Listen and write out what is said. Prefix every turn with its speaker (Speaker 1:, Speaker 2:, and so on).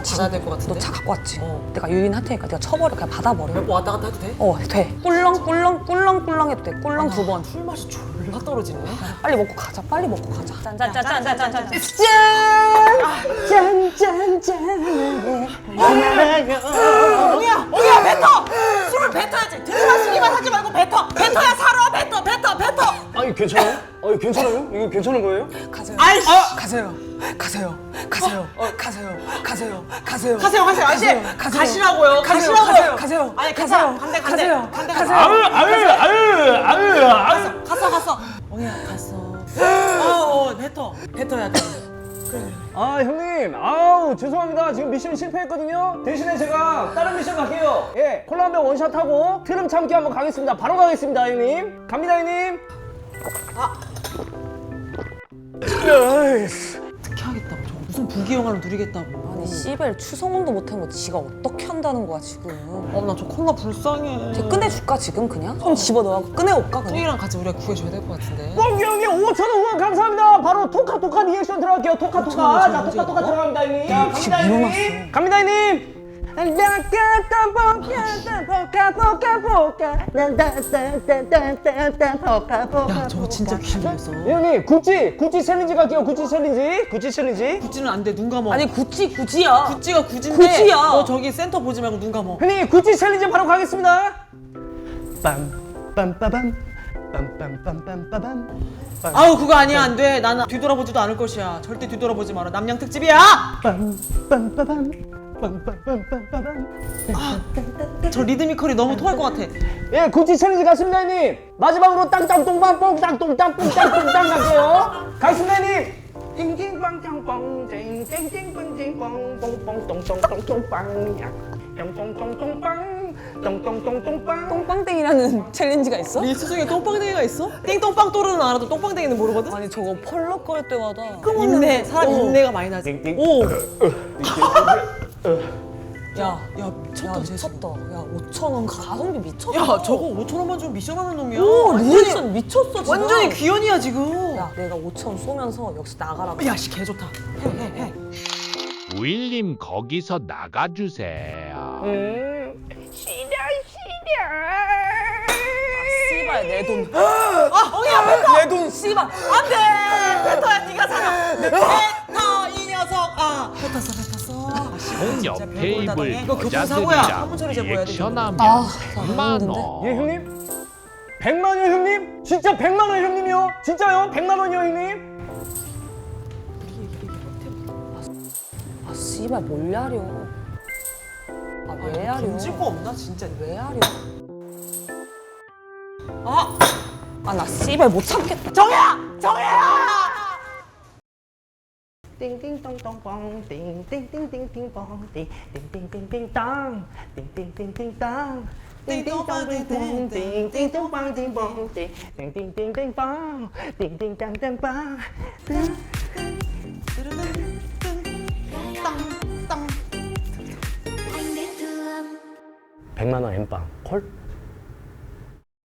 Speaker 1: 지금
Speaker 2: 받아야 될 것 같은데?
Speaker 1: 너 차 갖고 왔지? 내가 유인할 테니까 네가 쳐버려. 그냥 받아버려.
Speaker 2: 뭐 왔다 갔다 해도 돼?
Speaker 1: 돼. 꿀렁꿀렁 해도 돼. 꿀렁 2번.
Speaker 2: 술 맛이 졸라 떨어지네.
Speaker 1: 빨리 먹고 가자. 빨리 먹고 가자. 짠짠짠짠짠짠.
Speaker 2: 옹이야 뱉어! 술을 뱉어야지. 들이마시기만 하지 말고 뱉어. 뱉어야 살아. 뱉어.
Speaker 3: 아니 괜찮아요? 아니 괜찮아요? 이거 괜찮은 거예요?
Speaker 1: 가세요.
Speaker 2: 아이씨.
Speaker 1: 가세요. 가세요. 가세요. 가세요. 가세요. 가세요.
Speaker 2: 가세요. 아저씨.
Speaker 1: 가세요.
Speaker 2: 가시라고요.
Speaker 1: 가세요.
Speaker 2: 가시라고요.
Speaker 1: 가세요.
Speaker 2: 아니
Speaker 1: 가세요.
Speaker 2: 간대.
Speaker 1: 가세요.
Speaker 2: 간대.
Speaker 1: 가세요.
Speaker 3: 아유.
Speaker 2: 갔어. 옹이야 갔어. 뱉어야 돼.
Speaker 3: 아 형님, 아우 죄송합니다. 지금 미션 실패했거든요. 대신에 제가 다른 미션 갈게요. 예, 콜라 한 병 원샷 하고 트름 참기 한번 가겠습니다. 바로 가겠습니다, 형님. 갑니다, 형님.
Speaker 2: 어떻게 하겠다고. 저거 무슨 부귀영화를 누리겠다고.
Speaker 1: 아니 씨발 추성훈도 못한 거 지가 어떻게 한다는 거야 지금.
Speaker 2: 나 저 콜라 불쌍해.
Speaker 1: 쟤 꺼내줄까 지금 그냥? 손 집어넣어갖고 꺼내올까 그냥?
Speaker 2: 똥이랑 같이 우리가 구해줘야 될 것 같은데.
Speaker 3: 뽕기 형님 5,000원 후원 감사합니다. 바로 토카 리액션 들어갈게요. 토카. 자, 토카 들어갑니다, 형님. 자, 갑니다, 형님. 갑니다, 형님.
Speaker 2: 야 저거 진짜 귀신 들렸어.
Speaker 3: 형님, 구찌 챌린지 갈게요. 구찌 챌린지.
Speaker 2: 구찌는 안 돼. 눈 감어.
Speaker 1: 아니 구찌야.
Speaker 2: 구찌가 구찌인데.
Speaker 1: 구찌야.
Speaker 2: 너 저기 센터 보지 말고 눈 감어.
Speaker 3: 형님, 구찌 챌린지 바로 가겠습니다. 빰빰빠밤. 빰빰빰빰빰빰.
Speaker 2: 아우 그거 아니야 안 돼. 나는 뒤돌아보지도 않을 것이야. 절대 뒤돌아보지 마라. 남양 특집이야.
Speaker 3: 빰빰빠밤. 빰빰빰빰빰빰.
Speaker 2: 저 리드미컬이 너무 토할 것 같아.
Speaker 3: 예, 구찌 챌린지 갔습니다, 형님. 마지막으로 땅땅똥빵 뽕땅똥땅 뽕땅똥땅 갈게요. 가겠습니다, 형님. 띵띵빵땅뽕 띵띵띵띵뽕 뽕뽕똥똥똥똥빵 똥똥똥똥빵 똥똥똥똥빵.
Speaker 1: 똥빵땡이라는 챌린지가 있어?
Speaker 2: 이 수중에 똥빵댕이가 있어? 띵똥빵 또르는 알아도 똥빵댕이는 모르거든?
Speaker 1: 아니 저거 펄럭거릴 때마다
Speaker 2: 인내, 사람 인내가 많이 나지.
Speaker 3: 띵띵.
Speaker 2: 오!
Speaker 1: 야
Speaker 2: 미쳤다, 쟤
Speaker 1: 미쳤다. 야 5,000원 가성비 미쳤다.
Speaker 2: 야 저거 5,000원만 주면 미션하는 놈이야.
Speaker 1: 오
Speaker 2: 완전히,
Speaker 1: 리액션 미쳤어 지금.
Speaker 2: 완전히 귀연이야 지금.
Speaker 1: 야 내가 5,000원 쏘면서 역시 나가라고.
Speaker 2: 야씨 개 좋다. 해.
Speaker 4: 우일님 거기서 나가주세요.
Speaker 1: 씨발 내 돈.
Speaker 2: 아 엉이야
Speaker 3: 내 돈.
Speaker 1: 씨발 안돼.
Speaker 2: 뱉어야 네가 살아. 뱉어 이 녀석. 아 뱉었어. 아, 씨발,
Speaker 4: 옆
Speaker 2: 진짜 별걸 다
Speaker 4: 테이블
Speaker 2: 당해. 이거 교통사고야.
Speaker 4: 여자들이랑
Speaker 2: 화물처리 제보해야 돼.
Speaker 4: 리액션하면
Speaker 1: 아,
Speaker 4: 100만
Speaker 3: 예
Speaker 4: 원.
Speaker 3: 형님? 100만 원이요 형님? 진짜 100만 원 형님이요? 진짜요? 100만 원이요 형님?
Speaker 1: 아 씨발 뭘 야려. 아 왜 야려.
Speaker 2: 던질 거 없나 진짜.
Speaker 1: 왜 야려.
Speaker 2: 아
Speaker 1: 아 나 씨발 못 참겠다.
Speaker 2: 정혜야 정혜야.
Speaker 3: 띵띵똥똥뻥 띵띵띵띵띵뻥 띵띵띵띵띵땅 띵띵띵띵땅 띵띵똥띵똥 띵띵똥빵띵뻥 띵띵띵띵빵 띵띵땅땅빵
Speaker 2: 땅땅.
Speaker 3: 100만 원 엠빵 콜?